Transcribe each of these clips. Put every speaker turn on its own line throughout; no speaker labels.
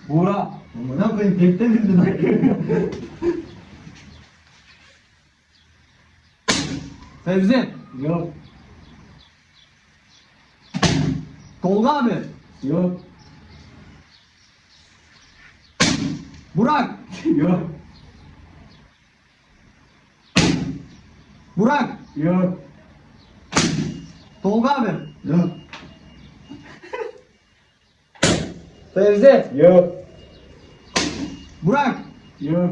Buğra.
Amına koyayım tekte bildin lan.
Fevzi.
Yok.
Tolga abi.
Yok.
Burak.
Yok.
Burak.
Yok.
Tolga abi.
Yok.
Fevzi.
Yok.
Burak.
Yok.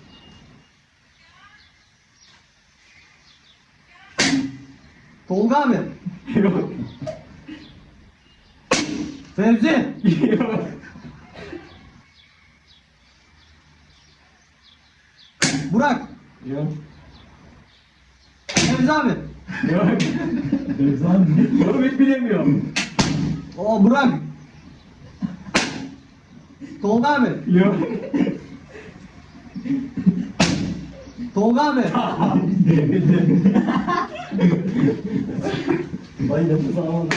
Tolga abi.
Yok.
Fevzi.
Yok.
Burak.
Yok.
Fevzi abi.
Yok. Efsane. Yok hiç bilemiyorum.
O Burak. Tolga abi.
Yok.
Tolga abi.
Vay nefes alamadım.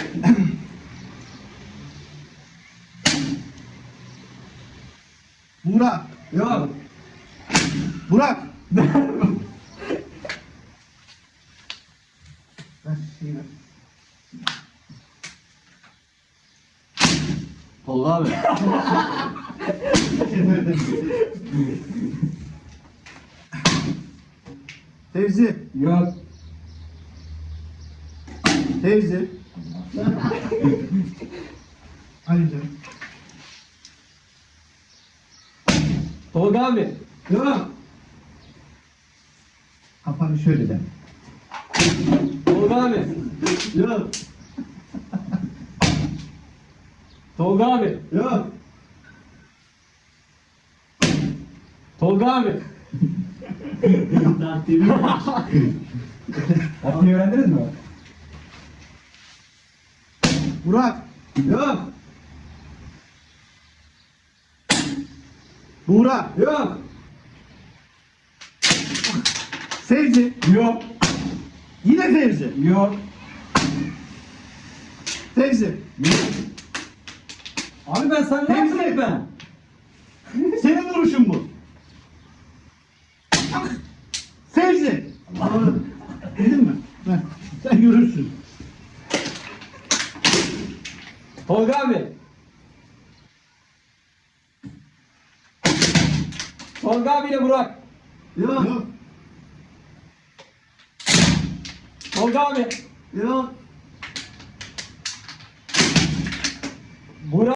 Burak.
Yok.
Burak.
Tolga abi.
Teyze.
Yok.
Teyze. Ali canım.
Tolga abi.
Yok.
Kafanı şöyle de.
Tolga abi.
Yok.
Tolga abi.
Yok.
Tolga abi.
Atmayı öğrendiniz mi?
Burak.
Yok.
Burak.
Yok.
Sevzi.
Yok.
Yine Fevzi.
Yok.
Fevzi.
Abi ben sana ne yaptım hep ben?
Senin vuruşun bu. Fevzi. Bildin mi? Heh, sen görürsün.
Tolga abi. Tolga abiyle Burak.
Yok.
Tolga abi.
Yok.
Burak.